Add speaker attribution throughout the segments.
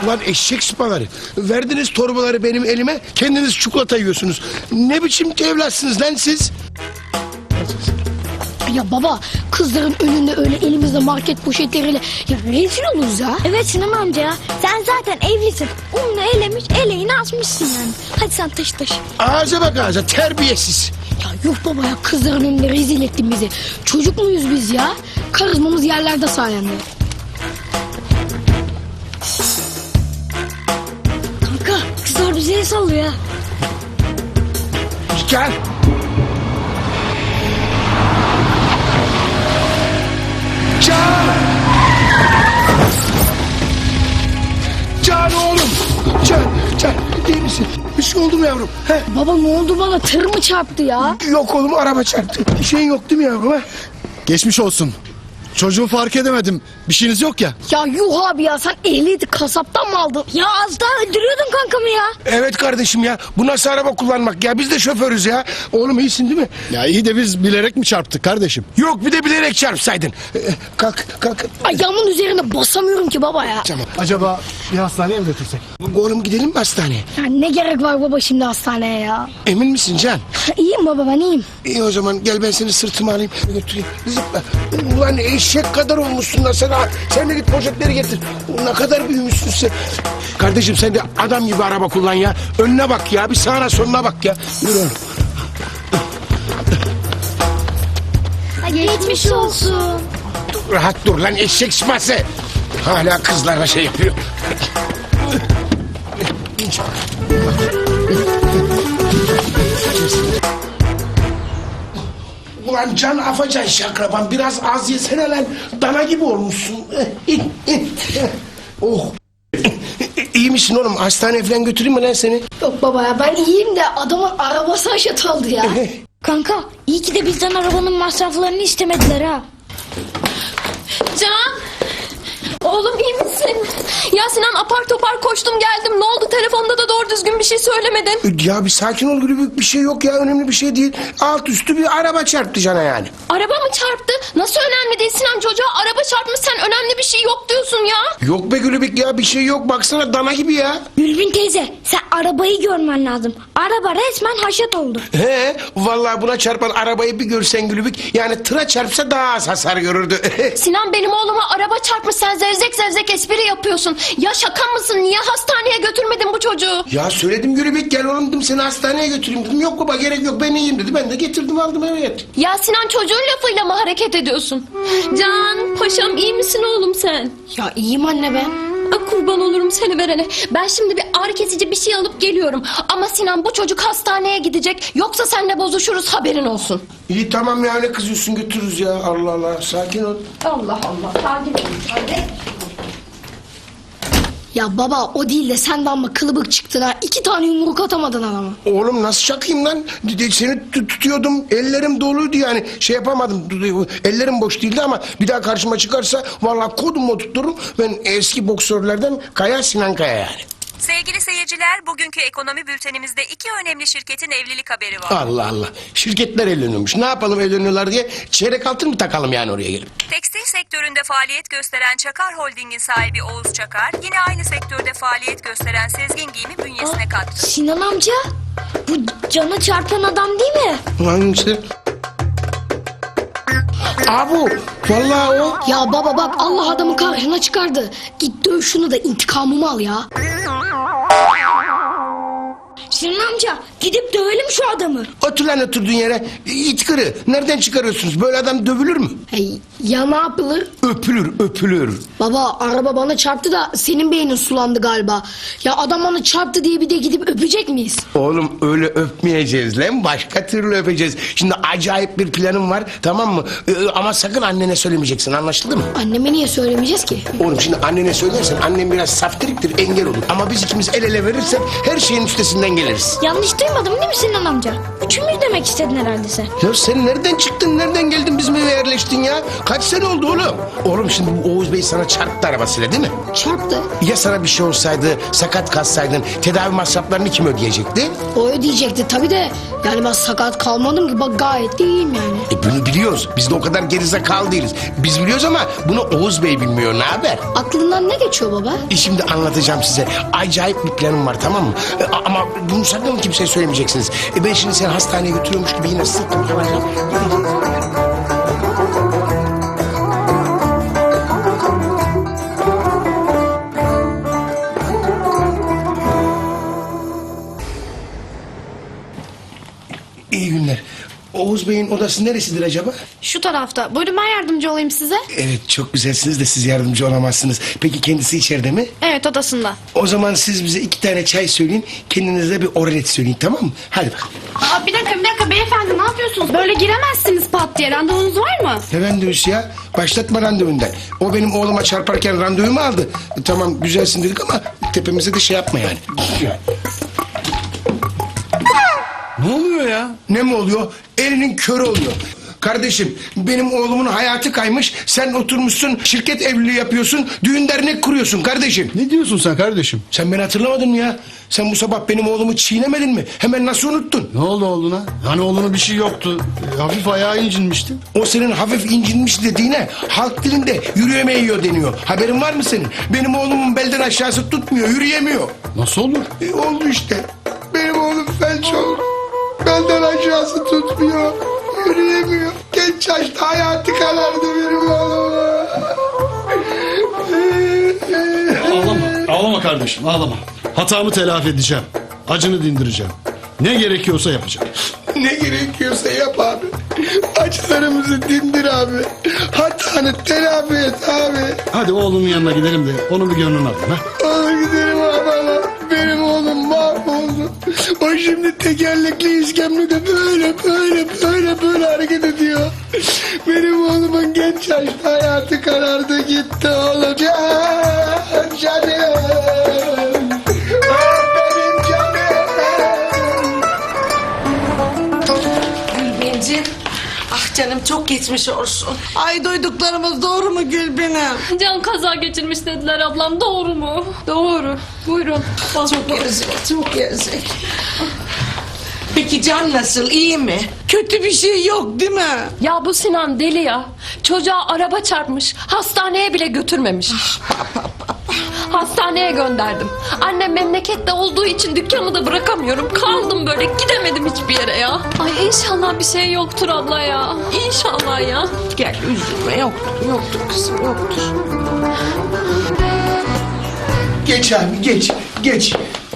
Speaker 1: Ulan eşek sıpaları. Verdiniz torbaları benim elime, kendiniz çikolata yiyorsunuz. Ne biçim evlatsınız lan siz?
Speaker 2: Ya baba, kızların önünde öyle elimizde market poşetleriyle ya rezil oluruz ya.
Speaker 3: Evet Sinan amca ya. Sen zaten evlisin. Ununu elemiş, eleğini asmışsın yani. Hadi sen taşı.
Speaker 1: Ağza bak ağza, terbiyesiz.
Speaker 2: Ya yok baba ya, kızların önünde rezil ettin bizi. Çocuk muyuz biz ya? Karizmamız yerlerde sayende.
Speaker 3: Kanka kızlar bize el sallıyor ya.
Speaker 1: Gel. Can! Can oğlum! Can, iyi misin? Bir şey oldu mu yavrum? He?
Speaker 2: Baba ne oldu bana? Tır mı çarptı ya?
Speaker 1: Yok oğlum, araba çarptı. Bir şeyin yok değil mi yavrum? He?
Speaker 4: Geçmiş olsun. Çocuğu fark edemedim. Bir şeyiniz yok ya.
Speaker 2: Ya yuh abi ya, sen ehliyeti kasaptan mı aldın?
Speaker 3: Ya az daha öldürüyordun kankamı ya.
Speaker 1: Evet kardeşim ya. Bu nasıl araba kullanmak ya? Biz de şoförüz ya. Oğlum iyisin değil mi?
Speaker 4: Ya iyi de biz bilerek mi çarptık kardeşim?
Speaker 1: Yok, bir de bilerek çarpsaydın. Kalk.
Speaker 2: Ayağımın üzerine basamıyorum ki baba ya.
Speaker 1: Tamam.
Speaker 4: Acaba bir hastaneye mi götürsek?
Speaker 1: Oğlum gidelim mi hastaneye?
Speaker 2: Ya ne gerek var baba şimdi hastaneye ya?
Speaker 1: Emin misin Can?
Speaker 2: İyiyim baba, ben iyiyim.
Speaker 1: İyi o zaman gel, ben seni sırtıma alayım, götüreyim. Zıpla. Ulan eşek kadar olmuşsun da sen. Sen de git poşetleri getir. Ne kadar büyümüşsün sen. Kardeşim sen de adam gibi araba kullan ya. Önüne bak ya, bir sağına soluna bak ya. Yürü oğlum.
Speaker 3: Geçmiş olsun.
Speaker 1: Rahat dur lan eşek sıması. Hala kızlarla şey yapıyor. Ulan Can Afacan şakraban, biraz az yesene lan. Dana gibi olmuşsun. Oh. İyi misin oğlum? Hastaneye falan götüreyim mi lan seni?
Speaker 2: Yok baba ya, ben iyiyim de adamın arabası haşat aldı ya.
Speaker 3: Kanka iyi ki de bizden arabanın masraflarını istemediler ha.
Speaker 5: Can! Oğlum iyi misin? Ya Sinan, apar topar koştum geldim. Ne oldu? Telefonda da doğru düzgün bir şey söylemedin.
Speaker 1: Ya bir sakin ol Gülübük, bir şey yok ya, önemli bir şey değil. Alt üstü bir araba çarptı Can'a yani.
Speaker 5: Araba mı çarptı? Nasıl önemli değil Sinan? Çocuğa araba çarpmış, sen önemli bir şey yok diyorsun ya.
Speaker 1: Yok be Gülübük ya, bir şey yok, baksana dana gibi ya.
Speaker 3: Gülbin teyze sen arabayı görmen lazım. Araba resmen haşat oldu.
Speaker 1: He, vallahi buna çarpan arabayı bir görsen Gülübük, yani tıra çarpsa daha az hasar görürdü.
Speaker 5: Sinan, benim oğluma araba çarpmış, sen zevzek espri yapıyorsun. Ya şaka mısın? Niye hastaneye götürmedin bu çocuğu?
Speaker 1: Ya söyledim Gülübük, gel oğlum dedim, seni hastaneye götüreyim dedim. Yok baba, gerek yok, ben iyiyim dedi. Ben de getirdim aldım, evet.
Speaker 5: Ya Sinan, çocuğun lafıyla mı hareket ediyorsun? Can, paşam iyi misin oğlum sen?
Speaker 2: Ya iyiyim anne ben.
Speaker 5: Kurban olurum seni verene. Ben şimdi bir ağrı kesici bir şey alıp geliyorum. Ama Sinan, bu çocuk hastaneye gidecek. Yoksa seninle bozuşuruz, haberin olsun.
Speaker 1: İyi tamam ya, ne kızıyorsun, götürürüz ya. Allah Allah, sakin ol.
Speaker 5: Allah Allah, sakin ol. Hadi.
Speaker 2: Ya baba o değil de sen de amma kılıbık çıktın ha. 2 tane yumruk atamadın adama.
Speaker 1: Oğlum nasıl çakayım lan? Seni tutuyordum, ellerim doluydu yani. Şey yapamadım, ellerim boş değildi ama bir daha karşıma çıkarsa vallahi kodumu tuttururum. Ben eski boksörlerden Kaya, Sinan Kaya yani.
Speaker 6: Sevgili seyirciler, bugünkü ekonomi bültenimizde iki önemli şirketin evlilik haberi var.
Speaker 1: Allah Allah, şirketler evleniyormuş. Ne yapalım evleniyorlar diye, çeyrek altın mı takalım yani oraya gelip?
Speaker 6: Tekstil sektöründe faaliyet gösteren Çakar Holding'in sahibi Oğuz Çakar, yine aynı sektörde faaliyet gösteren Sezgin Giyim'i bünyesine kattı.
Speaker 3: Sinan amca bu cana çarpan adam değil mi?
Speaker 1: Hangisi? Abu, vallahi o.
Speaker 2: Ya baba bak, Allah adamı karşına çıkardı. Git döv şunu da intikamımı al ya.
Speaker 3: Sinan amca gidip dövelim şu adamı.
Speaker 1: Otur lan oturduğun yere. İt kırı. Nereden çıkarıyorsunuz? Böyle adam dövülür mü?
Speaker 2: Hey, ya ne yapılır?
Speaker 1: Öpülür.
Speaker 2: Baba araba bana çarptı da senin beynin sulandı galiba. Ya adam bana çarptı diye bir de gidip öpecek miyiz?
Speaker 1: Oğlum öyle öpmeyeceğiz lan. Başka türlü öpeceğiz. Şimdi acayip bir planım var, tamam mı? Ama sakın annene söylemeyeceksin, anlaşıldı mı?
Speaker 2: Anneme niye söylemeyeceğiz ki?
Speaker 1: Oğlum şimdi annene söylersen annem biraz saftiriktir, engel olur. Ama biz ikimiz el ele verirsek her şeyin üstesinden geliriz.
Speaker 3: Yanlış değil duymadın değil mi Sinan amca? Üçümüz demek istedin herhalde sen.
Speaker 1: Ya sen nereden çıktın, nereden geldin, bizim eve yerleştin ya? Kaç sene oldu oğlum? Oğlum şimdi bu Oğuz Bey sana çarptı arabasıyla değil mi?
Speaker 2: Çarptı.
Speaker 1: Ya sana bir şey olsaydı, sakat kalsaydın tedavi masraflarını kim ödeyecekti?
Speaker 2: O ödeyecekti tabii de. Yani ben sakat kalmadım ki, bak gayet de iyiyim yani.
Speaker 1: Bunu biliyoruz. Biz de o kadar gerizekalı değiliz. Biz biliyoruz ama bunu Oğuz Bey bilmiyor. Ne haber?
Speaker 2: Aklından ne geçiyor baba?
Speaker 1: Şimdi anlatacağım size. Acayip bir planım var, tamam mı? Ama bunu sakın kimseye söylemeyeceksiniz. Ben şimdi seni hastaneye götürüyormuş gibi yine sıktım. İyi günler. Oğuz Bey'in odası neresidir acaba?
Speaker 7: Şu tarafta. Buyurun ben yardımcı olayım size.
Speaker 1: Evet, çok güzelsiniz de siz yardımcı olamazsınız. Peki kendisi içeride mi?
Speaker 7: Evet odasında.
Speaker 1: O zaman siz bize 2 tane çay söyleyin. Kendinize bir oralet söyleyin, tamam mı? Hadi bak.
Speaker 7: Aa, bir dakika beyefendi ne yapıyorsunuz? Böyle giremezsiniz pat diye. Randevunuz var mı?
Speaker 1: Ne randevusu ya? Başlatma randevundan. O benim oğluma çarparken randevumu aldı. Tamam güzelsin dedik ama tepemize de şey yapma yani.
Speaker 4: Ne oluyor ya?
Speaker 1: Ne mi oluyor? Elinin körü oluyor. Kardeşim benim oğlumun hayatı kaymış. Sen oturmuşsun şirket evliliği yapıyorsun. Düğün dernek kuruyorsun kardeşim.
Speaker 4: Ne diyorsun sen kardeşim?
Speaker 1: Sen beni hatırlamadın mı ya? Sen bu sabah benim oğlumu çiğnemedin mi? Hemen nasıl unuttun?
Speaker 4: Ne oldu oğluna? Hani oğluna bir şey yoktu. Hafif ayağı incinmişti.
Speaker 1: O senin hafif incinmiş dediğine halk dilinde yürüyemeyiyor deniyor. Haberin var mı senin? Benim oğlumun belden aşağısı tutmuyor, yürüyemiyor.
Speaker 4: Nasıl olur?
Speaker 1: Oldu işte. Benim oğlum felç oldu. Belden aşağısı tutmuyor, yürüyemiyor. Genç yaşta hayatı karardı benim oğlum.
Speaker 4: Ağlama kardeşim, ağlama. Hatamı telafi edeceğim. Acını dindireceğim. Ne gerekiyorsa yapacağım.
Speaker 1: Ne gerekiyorsa yap abi. Acılarımızı dindir abi. Hatanı telafi et abi.
Speaker 4: Hadi oğlunun yanına gidelim de onun bir gönlünü alayım. Ha?
Speaker 1: Olur gidelim abi ama benim oğlum mahvoldu. O şimdi tekerlekli iskemlede böyle hareket ediyor. Benim oğlumun genç yaşta hayatı karardı gitti oğlum. Canım. Benim canım.
Speaker 8: Gülbinciğim. Ah canım çok geçmiş olsun. Ay duyduklarımız doğru mu Gülbin'im?
Speaker 5: Can kaza geçirmiş dediler ablam, doğru mu? Doğru. Buyurun.
Speaker 8: Çok yazık, çok yazık. Peki Can nasıl, iyi mi? Kötü bir şey yok değil mi?
Speaker 5: Ya bu Sinan deli ya. Çocuğa araba çarpmış. Hastaneye bile götürmemiş. Hastaneye gönderdim. Annem memlekette olduğu için dükkanı da bırakamıyorum. Kaldım böyle, gidemedim hiçbir yere ya. Ay inşallah bir şey yoktur abla ya. İnşallah ya.
Speaker 8: Gel üzülme, yoktur kızım, yoktur.
Speaker 1: Geç abi geç.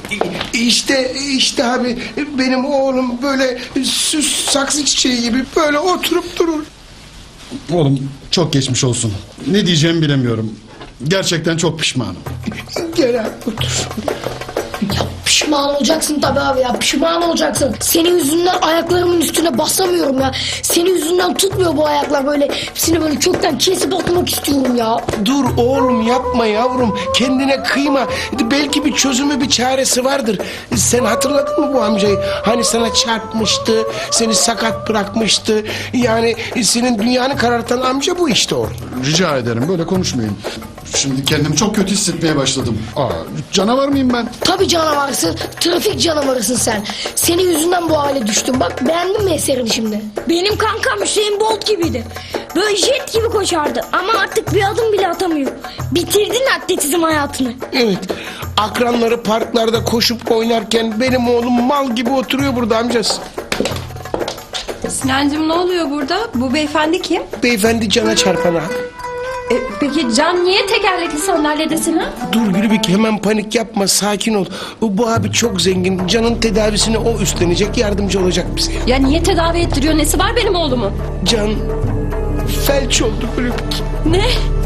Speaker 1: İşte abi benim oğlum böyle süs saksı çiçeği gibi böyle oturup durur.
Speaker 4: Oğlum çok geçmiş olsun. Ne diyeceğimi bilemiyorum. Gerçekten çok pişmanım.
Speaker 1: Gel abi otur.
Speaker 2: Pişman olacaksın tabii abi ya, pişman olacaksın. Senin yüzünden ayaklarımın üstüne basamıyorum ya. Senin yüzünden tutmuyor bu ayaklar, böyle hepsini böyle kökten kesip atmak istiyorum ya.
Speaker 1: Dur oğlum yapma yavrum. Kendine kıyma. Belki bir çözümü bir çaresi vardır. Sen hatırladın mı bu amcayı? Hani sana çarpmıştı. Seni sakat bırakmıştı. Yani senin dünyanı karartan amca bu işte o.
Speaker 4: Rica ederim böyle konuşmayın. Şimdi kendimi çok kötü hissetmeye başladım. Canavar mıyım ben?
Speaker 2: Tabii canavarsın, trafik canavarısın sen. Senin yüzünden bu hale düştüm. Bak beğendin mi eserini şimdi?
Speaker 3: Benim kankam Hüseyin Bolt gibiydi. Böyle jet gibi koşardı ama artık bir adım bile atamıyor. Bitirdin atletizm hayatını.
Speaker 1: Evet. Akranları parklarda koşup oynarken benim oğlum mal gibi oturuyor burada amcası.
Speaker 5: Sinancığım ne oluyor burada? Bu beyefendi kim?
Speaker 1: Beyefendi cana çarpan abi.
Speaker 5: Peki Can niye tekerlekli sandalyede Sinan?
Speaker 1: Dur Gülübük hemen panik yapma, sakin ol. Bu abi çok zengin. Can'ın tedavisini o üstlenecek, yardımcı olacak bize.
Speaker 5: Ya niye tedavi ettiriyor? Nesi var benim oğlumun?
Speaker 1: Can felç oldu Gülübük.
Speaker 5: Ne?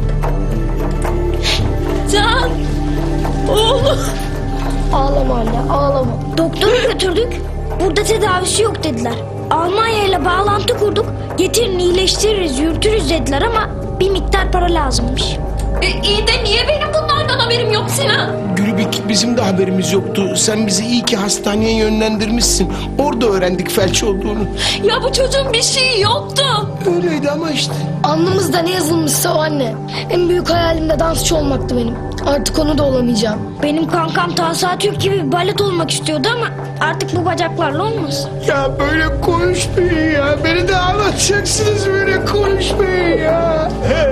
Speaker 5: Can! Oğlum!
Speaker 2: Ağlama anne, ağlama.
Speaker 3: Doktora götürdük. Burada tedavisi yok dediler. Almanya ile bağlantı kurduk. Getirin iyileştiririz, yürütürüz dediler ama bir miktar para lazımmış.
Speaker 5: İyi de niye benim bunlardan neden haberim yok Sinan?
Speaker 1: Gülübük bizim de haberimiz yoktu. Sen bizi iyi ki hastaneye yönlendirmişsin. Orada öğrendik felç olduğunu.
Speaker 5: Ya bu çocuğun bir şeyi yoktu.
Speaker 1: Öyleydi ama işte.
Speaker 2: Alnımızda ne yazılmışsa o anne. En büyük hayalim de dansçı olmaktı benim. Artık onu da olamayacağım.
Speaker 3: Benim kankam Tahsa Türk gibi balet olmak istiyordu ama artık bu bacaklarla olmaz.
Speaker 1: Ya böyle konuşmayın ya. Beni de ağlatacaksınız, böyle konuşmayın ya.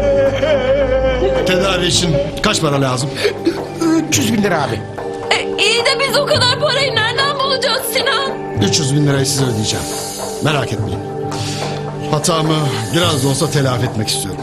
Speaker 4: Tedavi için kaç para lazım?
Speaker 1: 300 bin lira abi.
Speaker 5: İyi de biz o kadar parayı nereden bulacağız Sinan?
Speaker 4: 300 bin lirayı size ödeyeceğim. Merak etmeyin. Hatamı biraz da olsa telafi etmek istiyorum.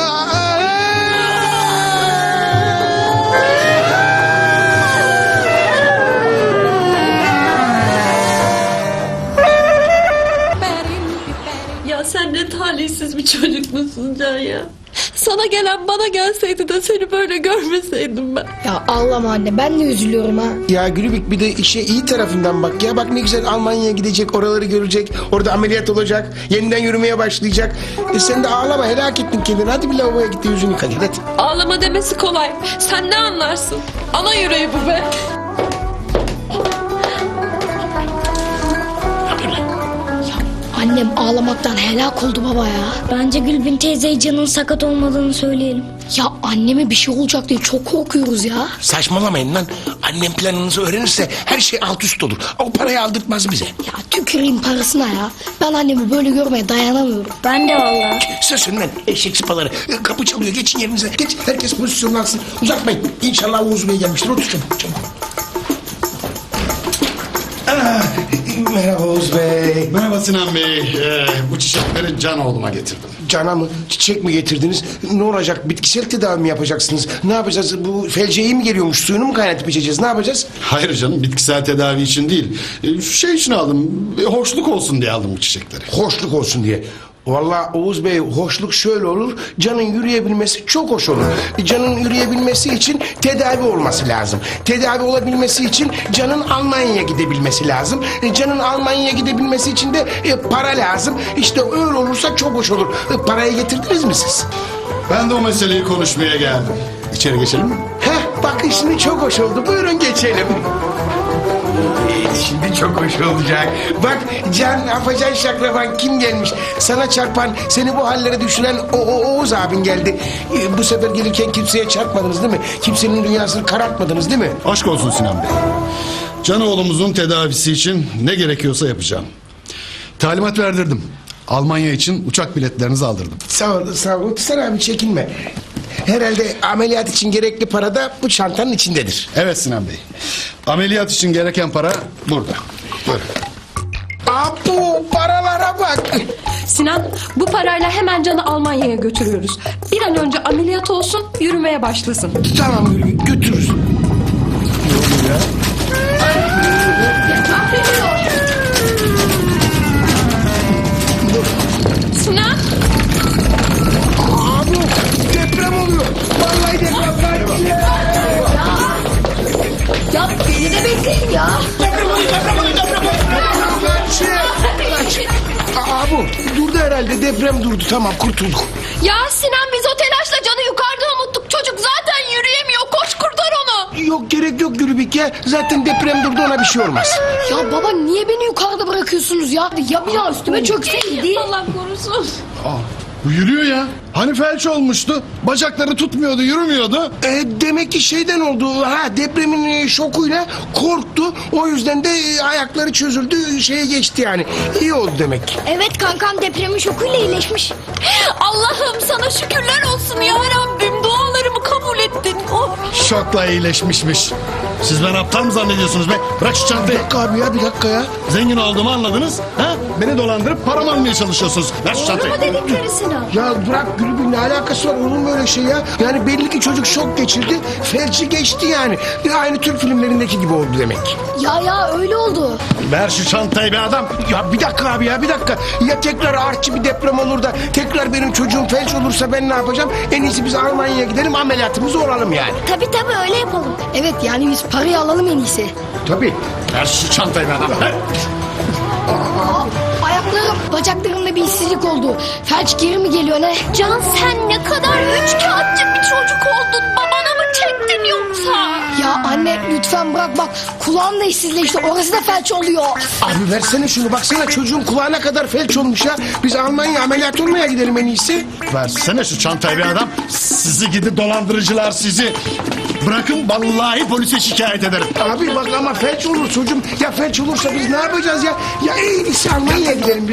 Speaker 5: Ya sen ne talihsiz bir çocuk musun Can ya? Sana gelen bana gelseydi de seni böyle görmeseydim ben.
Speaker 2: Ya ağlama anne, ben de üzülüyorum ha.
Speaker 1: Ya Gülübük bir de işe iyi tarafından bak. Ya bak ne güzel Almanya'ya gidecek, oraları görecek. Orada ameliyat olacak, yeniden yürümeye başlayacak. Sen de ağlama, helak ettin kendini. Hadi bir lavaboya git de yüzünü yıka gel, hadi.
Speaker 5: Ağlama demesi kolay. Sen ne anlarsın? Ana yüreği bu be.
Speaker 2: Annem ağlamaktan helak oldu baba ya.
Speaker 3: Bence Gülbin teyzeye Can'ın sakat olmadığını söyleyelim.
Speaker 2: Ya anneme bir şey olacak diye çok korkuyoruz ya.
Speaker 1: Saçmalamayın lan. Annem planınızı öğrenirse her şey alt üst olur. O parayı aldırtmaz bize.
Speaker 2: Ya tüküreyim parasına ya. Ben annemi böyle görmeye dayanamıyorum.
Speaker 3: Ben de vallahi.
Speaker 1: Susun lan eşek sıpaları. Kapı çalıyor, geçin yerinize. Geç, herkes pozisyonunu alsın. Uzatmayın. İnşallah Oğuz Bey gelmiştir. Otur çabuk, çabuk. Merhaba Oğuz Bey.
Speaker 4: Merhaba Sinan Bey. Bu çiçekleri Canoğlu'ma getirdim.
Speaker 1: Cana mı? Çiçek mi getirdiniz? Ne olacak? Bitkisel tedavi mi yapacaksınız? Ne yapacağız? Bu felce iyi mi geliyormuş? Suyunu mu kaynatıp içeceğiz? Ne yapacağız?
Speaker 4: Hayır canım, bitkisel tedavi için değil. Şey için aldım, hoşluk olsun diye aldım bu çiçekleri.
Speaker 1: Hoşluk olsun diye. Vallahi Oğuz Bey, hoşluk şöyle olur. Can'ın yürüyebilmesi çok hoş olur. Can'ın yürüyebilmesi için tedavi olması lazım. Tedavi olabilmesi için Can'ın Almanya'ya gidebilmesi lazım. Can'ın Almanya'ya gidebilmesi için de para lazım. İşte öyle olursa çok hoş olur. Parayı getirdiniz mi siz?
Speaker 4: Ben de o meseleyi konuşmaya geldim. İçeri geçelim mi?
Speaker 1: Heh, bakın şimdi çok hoş oldu. Buyurun geçelim. Şimdi çok hoş olacak. Bak Can, Afacan Şakraban kim gelmiş? Sana çarpan, seni bu hallere düşüren Oğuz abin geldi. Bu sefer gelirken kimseye çarpmadınız değil mi? Kimsenin dünyasını karartmadınız değil mi?
Speaker 4: Aşk olsun Sinan Bey. Canoğlumuzun tedavisi için ne gerekiyorsa yapacağım. Talimat verdirdim. Almanya için uçak biletlerinizi aldırdım.
Speaker 1: Sağ ol, sağ ol. Sen abi çekinme. Herhalde ameliyat için gerekli para da bu çantanın içindedir.
Speaker 4: Evet Sinan Bey. Ameliyat için gereken para burada. Buyurun.
Speaker 1: Abu, paralara bak.
Speaker 5: Sinan, bu parayla hemen Can'ı Almanya'ya götürüyoruz. Bir an önce ameliyat olsun, yürümeye başlasın.
Speaker 1: Tamam Gülübük, götürürüz.
Speaker 5: Sinan,
Speaker 1: Abu, deprem oluyor. Vallahi deprem var.
Speaker 2: Ya beni de bekleyin ya.
Speaker 1: Abu, durdu herhalde. Deprem durdu. Tamam, kurtulduk.
Speaker 5: ya Sinan biz o telaşla Can'ı yukarıda unuttuk. Çocuk zaten yürüyemiyor. Koş kurtar onu.
Speaker 1: Yok, gerek yok Gülübük ya. Zaten deprem durdu, ona bir şey olmaz.
Speaker 2: Ya baba niye beni yukarıda bırakıyorsunuz ya? Ya bir daha üstüme çökseydi.
Speaker 5: Allah korusun.
Speaker 4: Bu yürüyor ya. Hani felç olmuştu. Bacakları tutmuyordu, yürümüyordu.
Speaker 1: Demek ki şeyden oldu. Ha, depremin şokuyla korktu. O yüzden de ayakları çözüldü. Şeye geçti yani. İyi oldu demek ki.
Speaker 3: Evet kankam depremin şokuyla iyileşmiş.
Speaker 5: Allah'ım sana şükürler olsun ya Rabbim. Dualarımı kabul ettin. Oh.
Speaker 4: Şokla iyileşmişmiş. Siz ben aptal mı zannediyorsunuz be? Bırak şu
Speaker 1: Bir
Speaker 4: çantayı.
Speaker 1: dakika abi ya, bir dakika ya.
Speaker 4: Zengin olduğumu anladınız. Ha? Beni dolandırıp paramı almaya çalışıyorsunuz. Ver şu çantayı.
Speaker 3: Ama dedikleri Sinan.
Speaker 1: Ya bırak Gülübük, ne alakası var? Olur mu öyle şey ya? Yani belli ki çocuk şok geçirdi. Felci geçti yani. Aynı Türk filmlerindeki gibi oldu demek.
Speaker 2: Ya öyle oldu.
Speaker 4: Ver şu çantayı be adam.
Speaker 1: Ya bir dakika abi ya, bir dakika. Ya tekrar artçı bir deprem olur da tekrar benim çocuğum felç olursa ben ne yapacağım? En iyisi biz Almanya'ya gidelim, ameliyatımızı olalım yani.
Speaker 3: Tabii öyle yapalım.
Speaker 2: Evet yani biz parayı alalım en iyisi.
Speaker 1: Tabii.
Speaker 4: Ver şu çantayı be adam. Ver.
Speaker 2: Ayaklarım, bacaklarımda bir hissizlik oldu. Felç geri mi geliyor ne?
Speaker 3: Can sen ne kadar üç kağıtçı bir çocuk oldun. Babana mı çektin yoksa?
Speaker 2: lütfen bırak bak. Kulağım da işsizleşti. Orası da felç oluyor.
Speaker 1: Abi versene şunu, baksana çocuğun kulağına kadar felç olmuş ya. Biz Almanya ameliyat olmaya gidelim en iyisi.
Speaker 4: Versene şu çantayı bir adam. Sizi gidi dolandırıcılar sizi. Bırakın vallahi polise şikayet ederim.
Speaker 1: Abi bak ama felç olur çocuğum. Ya felç olursa biz ne yapacağız ya? Ya en iyisi Almanya'ya gidelim biz.